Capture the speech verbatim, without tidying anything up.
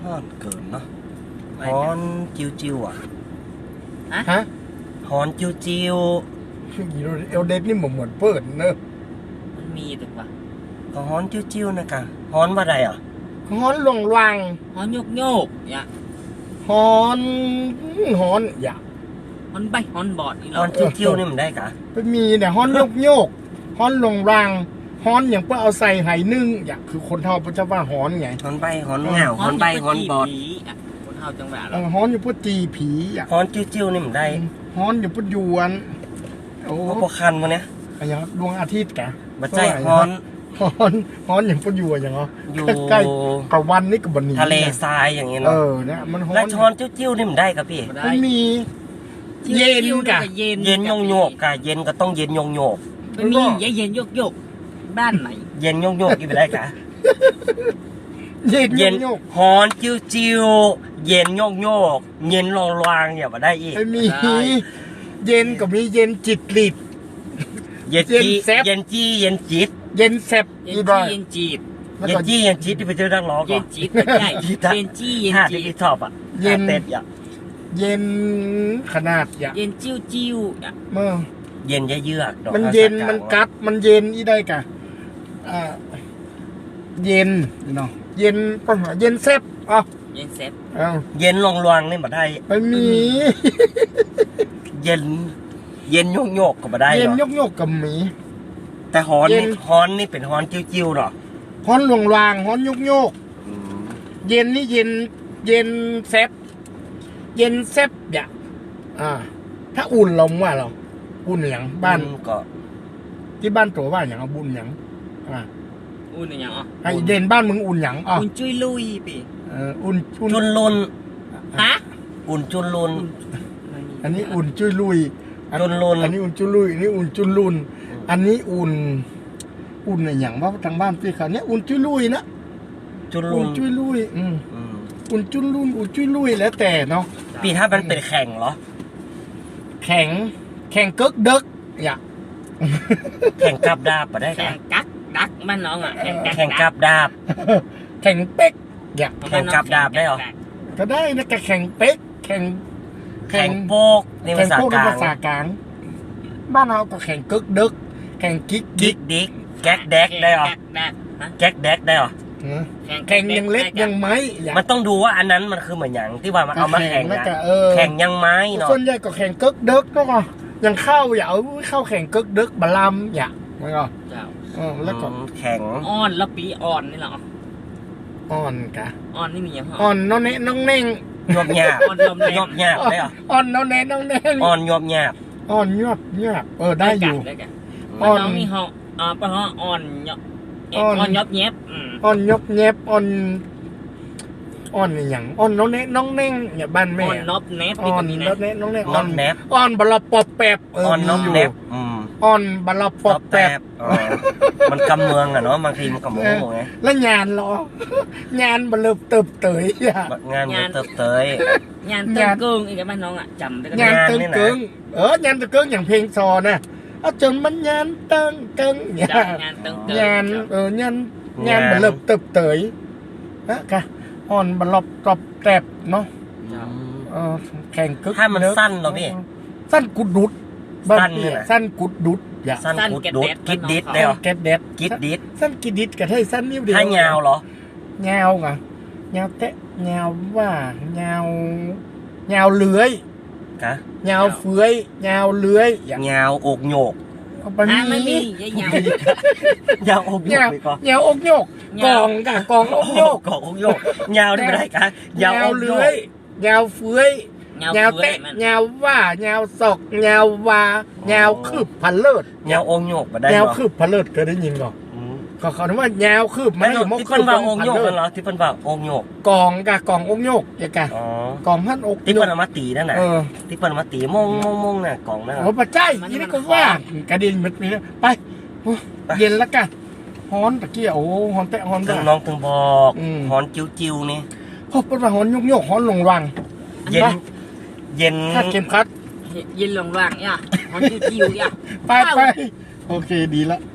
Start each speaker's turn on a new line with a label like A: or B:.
A: ฮอนเกินเนาะฮอนจิวจิวอ่ะ
B: ฮะ
A: ฮอนจิวจิว
B: เอลเดนนี่เหมือนเหมือนเปิดเนอะ
C: มันมีถูกป่ะ
A: ก็ฮอนจิวจิวนะกะฮอนว่าใดอ่ะ
B: ฮอนหลงวัง
C: ฮอนโยกโยกเนี่ย
B: ฮอนฮอนอย่า
C: ฮอนใบฮอนบอดนี่
A: ฮอนจิวจิวนี่มันได้กะ
B: ไปมีแต่ฮอนโยกโยกฮอนหลงวังฮอนอย่างเพื่อเอาใส่ไหนึ่งอย่างคือคนเท่าพระเจ้าว่าฮอนไง
A: ฮอนใบฮอนเหงาฮอนใบฮอนบอด
C: คนเท่าจังหวะ
B: เราฮอนอยู่เพื่อตีผีอย่าง
A: ฮอนจิวจิวนี่มันได้
B: ฮอนอยู่เพื่อยวน
A: โอ้พวกคันมาเนี้ย
B: อะไรอย่างดวงอาทิตย์แก
A: บัดใจฮอน
B: ฮอนฮอนอย่างเพื่ออยู่อย่างเนาะใกล้กับวันนี้กับวันนี้
A: ทะเลทรายอย่างเงี้ยเนาะ
B: เออเนี่ยมันฮอน
A: แล้วฮอนจิวจิวนี่มันได้กับพี่
B: มันมีเย็นกะ
A: เย็นโยกโยกกะเย็นก็ต้องเย็นโยกโยก
C: ไม่มีเย็นโยกโยกบ้านไหน
A: เย็นโยกโยกกินไปได้กะ
B: เย็น
A: เย็นฮอนจิวจิวเย็นโยกโยกเย็นลองลางอย่ามาได้อีก
B: ไม่มีเย็นก็มีเย็นจิตลิด
A: เย็นจีเย็นจีเย็นจิต
B: เย็นแซบ
C: เย็นจีเย็นจีบ
A: เย็นจีเย็นจิตที่ไปเจอนักร้อง
C: เย็นจีบไม่ใช่เย็นจีเย็นจี
A: ที่ชอบอ่ะเย็นเต็ดอ่ะ
B: เย็นขนาด
C: อย่าเย็นจิ้วจิ้วอ่ะ
B: เมื่อ
A: เย็นเยือก
B: มันเย็นมันกัดมันเย็นอีได้กะอ่าเย็นเนาะเย็นก็เย็นแซบอ่ะ
C: เย็นแซบ
B: อ้าว
A: เย็นลองลวงนี่มาได้
B: ไม่มี
A: เย็นเย็นโยกโยกก็มาได้
B: เย็นโยกโยกกับหมี
A: แต่ฮอนนี่ฮอนนี่เป็นฮอนจิ้วๆหรอ
B: ฮอนหลวงวางฮอนโยกโยกเย็นนี่เย็นเย็นแซบเย็นแซบอย่างอ่าถ้าอุ่นลงว่าเราอุ่นอย่างบ้าน
A: ก็
B: ที่บ้านตัวว่าอย่างเอาบุญอย่างอ่า
C: อุ่นอย่างอ๋อ
B: ไอเด่นบ้านมึงอุ่นอย่างอ๋อ
C: อุ่นจุยลุยปี
B: เอออุ่น
A: จุนลุน
C: ฮะ
A: อุ่นจุนลุน
B: อันนี้อุ่นจุยลุย
A: จุนลุน
B: อันนี้อุ่นจุยลุยอันนี้อุ่นจุนลุนอันนี้อุ่นอุ่นอย่างว่าทางบ้านพี่เขาเนี้ยอุ่นจุยลุยนะ
A: จุนลุน
B: อุ่นจุยลุยอืมอุ่นจุนลุนอุ่นจุยลุยแล้วแต่เนาะ
A: ปีถ้ามันเป็นแข่งเหรอ
B: แข่งแข่งเกิกเด็กอย่า
A: แข่งกับดาบปะได้
C: แข่งกักดักมันน้องอ่ะ
A: แข่งกับดาบ
B: แข่งเป๊กอย่า
A: แข่งกับดาบได้หรอ
B: ก็ได้นะแข่งเป๊กแข่ง
A: แข่งโปกในภาษ
B: ากลางบ้านเราก็แข่งเกิกเด็กแข่งกิ๊ก
A: กิ๊กดิ๊กแก๊กแดกได้หรอแก๊กแดกได้หรอ
B: แข่งยังเล็กยังไม้
A: มันต้องดูว่าอันนั้นมันคือเหมือนอย่างที่ว่ามันเอามาแข่งนะแข่งยังไม้เนาะ
B: ส่วนใหญ่ก็แข่งเกิกเด็กก็ยังเข้าอย่าเอาเข้าแข่งเกิกเด็กบาลามอย่าไม่ก็
C: เจ้า
B: แล้วก็
A: แข่ง
C: อ่อนแล้วปีอ่อนนี่หรอ
B: อ่อนกะ
C: อ่อนนี่มีอย่าง
B: อ่อนน้องเน่น้องเน่ง
A: ยอบหยาบ
C: อ่อนย
A: อบหยาบได้หรอ
B: อ่อนน้องเน่น้องเน่ง
A: อ่อนยอบหยาบ
B: อ่อนยอบหยาบเออได้อยู่
C: อ่อนมีห้องอ่าปะฮะอ่อนยอบอ่อนยอบแยบ
B: อ่อนยอบแยบอ่อนอ่อนอย่างอ่อนน้องเน่น้องเน่งเนี่ยบ้านแม่
C: อ่อนนอบแนบ
B: อ่อนน้องเน่น้องเน่
A: อ่อนแนบ
B: อ่อนบลปอบแปบ
A: อ่อนน้องแนบ
B: อ่อนบลปอบแปบ
A: มันกำเมืองอะเนาะบางทีมันกำเมืองไง
B: แล้วงานเหรองานบลเติบเตย
A: งานเติบเตย
C: งานเติมเกิงอีกบ้านน้องอ่ะจำได้
B: งานเติมเกิงเอองานเติมเกิงอย่างเพลงซอนะเอาจนมันงานเติมเกิง
C: งานเติมเกิง
B: งานเอองานงานบลเติบเตยนะค่ะอ่อนบลบตบแตบเนาะแข่งกึก
A: ถ้ามันสั้นเหรอพี่
B: สั้นกุดดุดสั้นเนี่ยสั้นกุดดุด
A: อย่าสั้นกุดดุดกิดดิดเดียว
B: เก็ดเด็ด
A: กิดดิด
B: สั้นกิดดิดกับให้สั้นนิ้วเดียว
A: ถ้ายาวเหรอ
B: ยาวไงยาวเตะยาวว่ายาวยาวเลื้อย
A: กะ
B: ยาวเฟื้อยยาวเลื้อย
A: ยาวอกโยก
C: ไม่มียาวย
A: าวอกโยก
B: ยาวอกโยกกองกะกองอกโยก
A: กองอกโยกยาวได้ไม่ได้กะ
B: ยาวเลื้อยยาวเฟื้อยยาวเตะยาวว่ายาวศอกยาววายาวคืบพันเลิศ
A: ยาวองโยกมาได้
B: ยาวคืบพันเลิศเคยได้ยินก่อนก็เขาคิดว่ายาวคืบ
A: ไม่ที่เพิ่นว่าองโยกเหรอที่เพิ่นว่าองโยก
B: กองกะกององโยกอย่างกะกองพันอก
A: ที่เพิ่นเอามาตีนั่นน่ะที่เพิ่นเอามาตีมงมงมงน่ะกองนั่น
B: โอ้ปัจจัยยี่นี่ก็ว่ากระดิ่งมันมีไปเย็นแล้วกันฮอนตะเกียโอ้ฮอนเตะฮอน
A: ถึงน้องถึงบอกฮอนจิ้วจิ้วนี่
B: พอเป็นว่าฮอนโยกโยกฮอนลงรัง
A: เย็นเย็น
B: ถ้าเข็มคัด
C: เย็นลงรังเนี่ยฮอนจิ้วจิ้วเนี่ย
B: ไปไปโอเคดีละ